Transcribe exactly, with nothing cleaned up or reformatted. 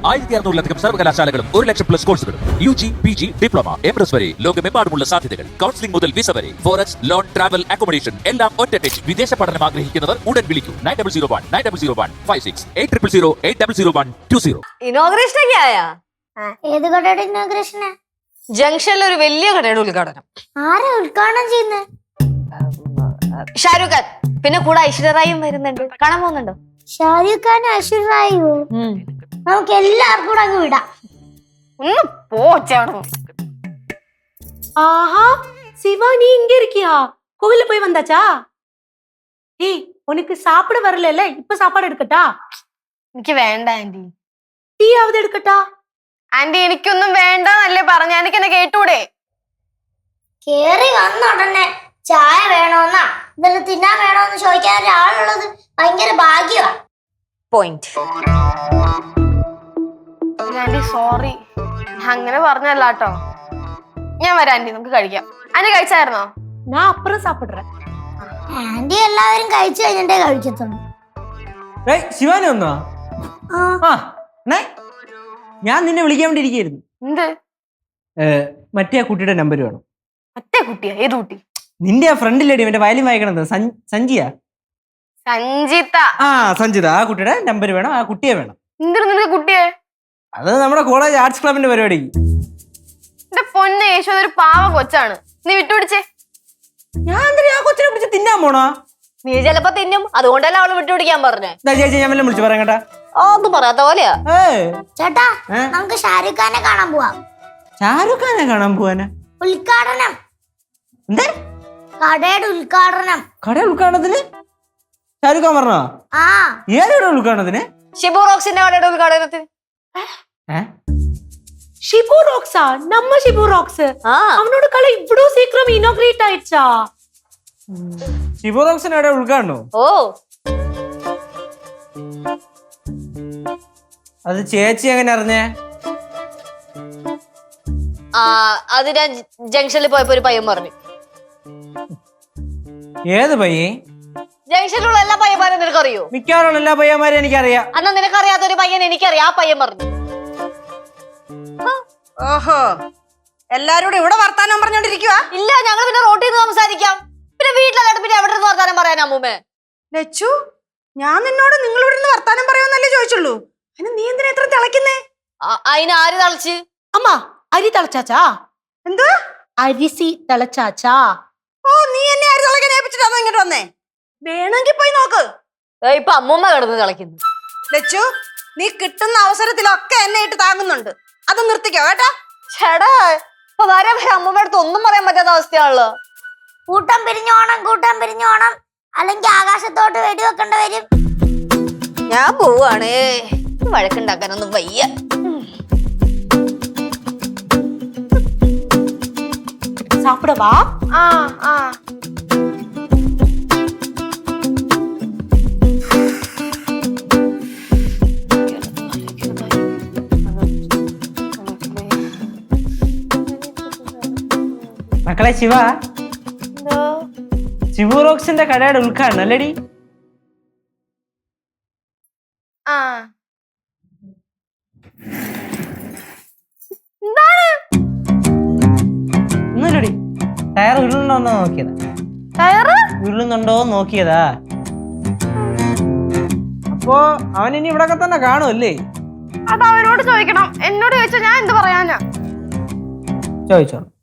ആയിരത്തി അറുന്നൂറിലധികം സർവകലാശാലകളും ഒരു ലക്ഷം പ്ലസ് കോഴ്സുകളും U G P G diploma M S വരെ ലോകമെമ്പാടുമുള്ള സാധ്യതകൾ. കൗൺസിലിംഗ് മുതൽ വിസ വരെ ഫോറക്സ് ലോൺ ട്രാവൽ അക്കോമഡേഷൻ എല്ലാം ഒറ്റ ടെച്ച്. വിദേശ പഠനം ആഗ്രഹിക്കുന്നവർ ഉടൻ വിളിക്കൂ nine double zero one nine double zero one five six eight triple zero eight double zero one two zero. Inauguration ഒക്കെ ആയാ? ഏത് കടയുടെ ഇനോഗ്രേഷനാ? ജംഗ്ഷനിൽ ഒരു വലിയ കടയുടെ ഉദ്ഘാടനം. ആരാ ഉദ്ഘാടനം ചെയ്യുന്നത്? ഷാരൂഖ് ഖാൻ, പിന്നെ കൂടെ ഐശ്വര്യറായും വരുന്നുണ്ട്. കാണാൻ പോകുന്നുണ്ടോ? ഷാരൂഖ് ഖാനും ഐശ്വര്യറായോ? നമുക്ക് എല്ലാവർക്കും കൂടെ അങ്ങ് വിടാം. ഒന്ന് പോച്ചാണോ? ஆஹா சிவா, நீ இங்க இருக்கியா? கோவில்ல போய் வந்தாச்சா? ஏய், உனக்கு சாப்பிட வரல, இப்ப சாப்பாடு எடுக்கட்டா? എനിക്ക് വേണ്ട ആന്റി. ടീ ആവത് എടുക്കട്ടാ? ആന്റി എനിക്കൊന്നും വേണ്ടെന്നല്ലേ പറഞ്ഞ, എനിക്ക് എന്നെ കേട്ടൂടെ? കേറി വന്ന ഉടനെ ചായ വേണോന്നാ ഇതെല്ലാം തിന്നാൻ വേണോന്ന് ചോദിക്കാൻ ഒരാളുള്ളത് ഭയങ്കര ഭാഗ്യമാ. പോയിന്റ്. ആന്റി സോറി, അങ്ങനെ പറഞ്ഞല്ലാട്ടോ. ഞാൻ വരാം ആന്റി, നമുക്ക് കഴിക്കാം. ആന്റി കഴിച്ചായിരുന്നോ? ഞാൻ അപ്പുറം സാപ്പിടുறேன். ആന്റി എല്ലാവരും കഴിച്ചു കഴിഞ്ഞിട്ടേ കഴിക്കത്തുള്ളൂ. ശിവാനി വന്നോ? ഞാൻ നിന്നെ വിളിക്കാൻ വേണ്ടി ഇരിക്കുന്നു. എന്ത്? മറ്റേ ആ കുട്ടിയുടെ നമ്പർ വേണം. മറ്റേ കുട്ടിയാ? ഏത് കുട്ടി? നിന്റെ ആ ഫ്രണ്ടിലേടി മറ്റേ വയലിൻ വായിക്കണത് സഞ്ജിയാ? സഞ്ജിത. ആ സഞ്ജിത, ആ കുട്ടിയുടെ നമ്പർ വേണം. ആ കുട്ടിയെ വേണം. എന്തിനു നിനക്ക് കുട്ടിയെ? അത് നമ്മുടെ കോളേജ് ആർട്സ് ക്ലബിന്റെ പരിപാടിക്ക്. എന്റെ പൊന്ന് യേശു, അതൊരു പാവം കൊച്ചാണ്, നീ വിട്ടുപിടിച്ചേ. ഞാൻ എന്തിനാ ആ കൊച്ചിനെ പിടിച്ച് തിന്നാൻ പോണോ? നീ ചിലപ്പോ തിന്നും, അതുകൊണ്ടല്ല അവള് വിട്ടുപിടിക്കാൻ പറഞ്ഞേ. ചേച്ചി ഞാൻ വല്ലതും വിളിച്ചു പറയാം കേട്ടാ. ഒന്നും പറയാത്ത പോലെയാ. ചേട്ടാ, നമുക്ക് ഷാരൂഖ് ഖാനെ കാണാൻ പോവാം. ഷാരൂഖ് ഖാനെ കാണാൻ പോവാനാ? ഉദ്ഘാടനം. എന്താ? കടയുടെ ഉദ്ഘാടനം. കട ഉദ്ഘാടനത്തിന് ഷാരൂഖ് ഖാൻ പറഞ്ഞോ? ആ. ഏതൊരു ഉദ്ഘാടനത്തിന്? ഷിബു റോക്സിന്റെ കടയുടെ ഉദ്ഘാടനത്തിന്. ஷிபு ராக்ஸா? நம்ம ஷிபு ராக்ஸ். அவனோட கடை இவ்வளவு சீக்கிரம் இனாகிரேட் ஆயிடுச்சா? ഷിബു റോക്സിന്റെ കട ഉദ്ഘാടനോ? ഓ, അത് ചേച്ചി എങ്ങനെ അറിഞ്ഞേ? ആ അത് ഞാൻ ജംഗ്ഷനിൽ പോയപ്പോ ഒരു പയ്യൻ പറഞ്ഞു. ഏത് പയ്യൻ? ജംഗ്ഷനിലുള്ള എല്ലാ പയ്യന്മാരും നിനക്കറിയോ? മിക്കവാറും എല്ലാ പയ്യന്മാരെയും എനിക്കറിയാം. അന്നാ നിനക്കറിയാത്ത ഒരു പയ്യൻ എനിക്കറിയാം, ആ പയ്യൻ പറഞ്ഞു. ഓഹോ, എല്ലാരോടും ഇവിടെ വർത്താനം പറഞ്ഞോണ്ടിരിക്കുക? ഇല്ല, ഞങ്ങൾ പിന്നെ റോട്ടിൽ നിന്ന് സംസാരിക്കാം. പിന്നെ വീട്ടിലല്ലാണ്ട് പിന്നെ എവിടെ നിന്ന് വർത്താനം പറയാൻ അമ്മൂമ്മേ? ലച്ചു, ഞാൻ നിന്നോട് നിങ്ങൾ ഇവിടെ നിന്ന് വർത്താനം പറയുമെന്നല്ലേ ചോദിച്ചുള്ളൂ. അതിന് നീ എന്തിനാ എത്ര തിളക്കുന്നേ? അതിന് ആര് തളച്ച്? അമ്മ, അരി തിളച്ചാച്ചാ? എന്തുവാ? അരിസി തിളച്ചാച്ചാ? ഓ, നീ എന്നെ അരി തിളക്കാൻ ഏൽപ്പിച്ചിട്ടാണോ ഇങ്ങോട്ട് വന്നേ? വേണമെങ്കിൽ പോയി നോക്ക്. ഇപ്പൊ അമ്മൂമ്മ കിടന്ന് തിളക്കുന്നു. ലച്ചു, നീ കിട്ടുന്ന അവസരത്തിലൊക്കെ എന്നെ ഇട്ട് താങ്ങുന്നുണ്ട്, അത് നിർത്തിക്കോ കേട്ടാ. ചേടാ, ഇപ്പൊ വരെ വരെ അമ്മൂമ്മ അടുത്ത് ഒന്നും പറയാൻ പറ്റാത്ത അവസ്ഥയാണല്ലോ. കൂട്ടം പിരിഞ്ഞോണം, കൂട്ടം പിരിഞ്ഞോണം, അല്ലെങ്കിൽ ആകാശത്തോട്ട് വെടിവെക്കേണ്ടി വരും. ഞാൻ പോവാണ്, വഴക്കുണ്ടാക്കാനൊന്നും വയ്യ. சாப்பிடவா? ആ ആ മക്കളെ ശിവ, ഷിബു റോക്സിന്റെ കടയുടെ ഉദ്ഘാടനം അല്ലേടി? ആ എന്താണ്? ഒന്നുമില്ലടി, ടയർ ഉരുളുന്നുണ്ടോ നോക്കിയതാ. ടയറ് ഉരുളുന്നുണ്ടോ നോക്കിയതാ. അപ്പോ അവൻ ഇനി ഇവിടൊക്കെ തന്നെ കാണുമല്ലേ? അത് അവനോട് ചോദിക്കണം, എന്നോട് ചോദിച്ചാ ഞാൻ എന്ത് പറയാനാ? ചോദിച്ചോ.